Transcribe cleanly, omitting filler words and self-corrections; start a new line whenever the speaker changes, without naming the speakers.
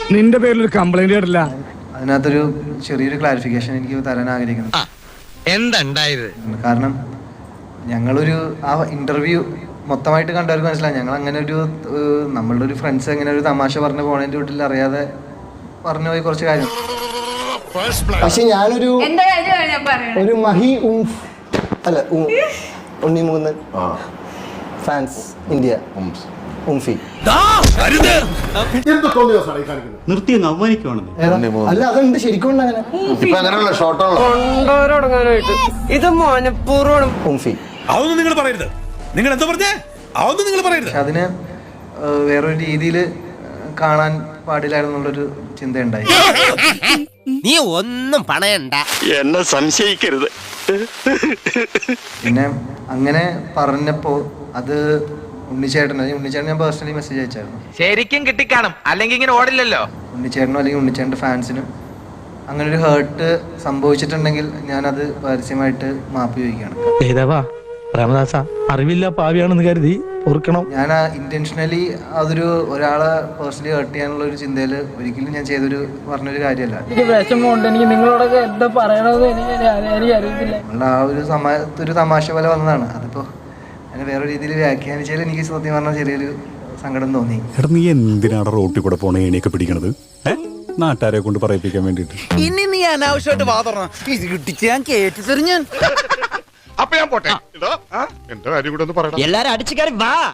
നിന്റെ പേരിൽ ഒരു കംപ്ലൈന്റ് കേട്ടില്ല.
അതിനകത്തൊരു ചെറിയൊരു ക്ലാരിഫിക്കേഷൻ എനിക്ക് തരാൻ ആഗ്രഹിക്കുന്നു.
എന്താണ്ടായത്?
കാരണം ഞങ്ങളൊരു ആ ഇന്റർവ്യൂ മൊത്തമായിട്ട് കണ്ടവർക്ക് മനസ്സിലായി ഞങ്ങൾ അങ്ങനെ ഒരു നമ്മളുടെ ഒരു ഫ്രണ്ട്സ് അങ്ങനെ ഒരു തമാശ പറഞ്ഞു പോണതിന്റെ വീട്ടിൽ അറിയാതെ പറഞ്ഞു പോയി കുറച്ച് കാര്യം.
പക്ഷെ ഞാനൊരു ഒരു മഹി അല്ല ഉണ്ണിമൂന്ന് ഫാൻസ് ഇന്ത്യ ഉംഫി
നിർത്തി അങ്ങ് അവമാനിക്കുവാണെന്ന്.
അല്ല അതുണ്ട് ശരിക്കും ഉണ്ട് അങ്ങനെ
ഇത് മനഃപൂർവ്വം
ഉംഫി.
അതൊന്നും നിങ്ങൾ പറയരുത്. നിങ്ങൾ എന്താ പറഞ്ഞേ? അതൊന്നും നിങ്ങൾ പറയരുത്.
പക്ഷെ അതിന് വേറൊരു രീതിയിൽ കാണാൻ പാടില്ലായിരുന്നുള്ളൊരു ചിന്തയുണ്ടായി.
നീ ഒന്നും പണയണ്ട, എന്നെ സംശയിക്കരുത്.
പിന്നെ അങ്ങനെ പറഞ്ഞപ്പോ അത് ഉണ്ണിച്ചേട്ടൻ ഞാൻ പേഴ്സണലി മെസ്സേജ് അയച്ചായിരുന്നു.
ശരിക്കും കിട്ടിക്കാണും, അല്ലെങ്കിൽ ഇങ്ങനെ ഓടില്ലല്ലോ.
ഉണ്ണിച്ചേട്ടനോ അല്ലെങ്കിൽ ഉണ്ണിച്ചേട്ടൻ്റെ ഫാൻസിനും അങ്ങനെ ഒരു ഹേർട്ട് സംഭവിച്ചിട്ടുണ്ടെങ്കിൽ ഞാനത് പരസ്യമായിട്ട് മാപ്പ് ചോദിക്കുകയാണ്.
രാമദാസ അറിവില്ല പാവിയാണെന്ന് കരുതി ഓർക്കണം.
ഞാൻ ഇന്റൻഷനലി അതൊരു ഒരാളെ പേഴ്സണലി ഹേർട്ട് ചെയ്യാനുള്ള ഒരു ചിന്തയിൽ ഒരിക്കലും ഞാൻ പറഞ്ഞൊരു കാര്യമല്ല.
എനിക്ക് വിഷമമുണ്ട്. എനിക്ക് നിങ്ങളോടൊക്കെ എന്താ പറയണത് എനിക്ക് അറിയത്തില്ല.
നമ്മളുടെ ആ ഒരു തമാശ പോലെ വന്നതാണ്. അതിപ്പോ അങ്ങനെ വേറെ രീതിയിൽ വ്യാഖ്യാനിച്ചാൽ എനിക്ക് സത്യം പറഞ്ഞാൽ ചെറിയൊരു സങ്കടം തോന്നി.
നീ എന്തിനാണ് റോട്ടിൽ കൂടെ പോണ ഏണിയൊക്കെ പിടിക്കണത്? നാട്ടുകാരെ കൊണ്ട് പറയിപ്പിക്കാൻ വേണ്ടിട്ട്.
ഇനി നീ അനാവശ്യമായിട്ട് വാതറണം. ഇത് കിട്ടിച്ച് ഞാൻ കേട്ടി തെറിഞ്ഞാൻ.
അപ്പൊ ഞാൻ പോട്ടെ. എന്റെ കാര്യം കൂടെ ഒന്ന് പറയണം.
എല്ലാരും അടിച്ചു കയറി വാ.